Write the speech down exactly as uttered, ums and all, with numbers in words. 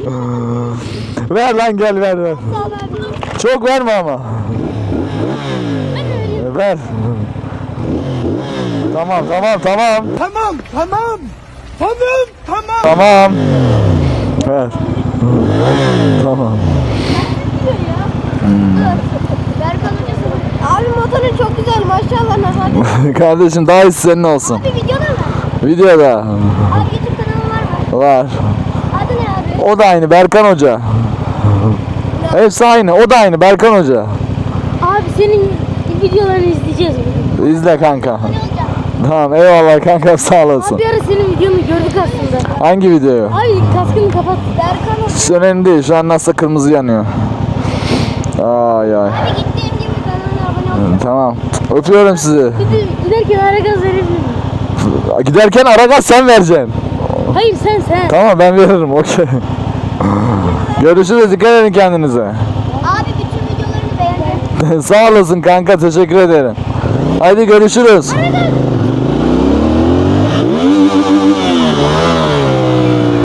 Ver lan, gel ver ver. Çok verme ama. Ver. Tamam tamam tamam. Tamam tamam. Tamam tamam. Tamam. Ver. Tamam. Abi motorun çok güzel maşallah nazar. Kardeşim daha iyisi senin olsun. Abi videoda mı? Videoda. Abi YouTube kanalı var mı? Var. Adı ne abi? O da aynı Berkan Hoca. Hepsi aynı. O da aynı Berkan Hoca. Abi senin videolarını izleyeceğiz. İzle kanka. Tamam eyvallah kanka, sağ olasın. Abi bir ara senin videonu gördük aslında. Hangi videoyu? Ay kaskını kapat. Berkan olsun. Hiç önemli değil. Şu an nasıl kırmızı yanıyor. Ay ay. Abi gittiğim gibi kanalına abone ol. Tamam. Öpüyorum sizi. Gidip, giderken ara gaz verebilir miyim? Giderken ara gaz sen vereceksin. Hayır sen sen. Tamam ben veririm. Okey. Görüşürüz. Dikkat edin kendinize. Abi bütün videolarını beğendim. Sağ olasın kanka. Teşekkür ederim. Haydi görüşürüz. Ara gaz.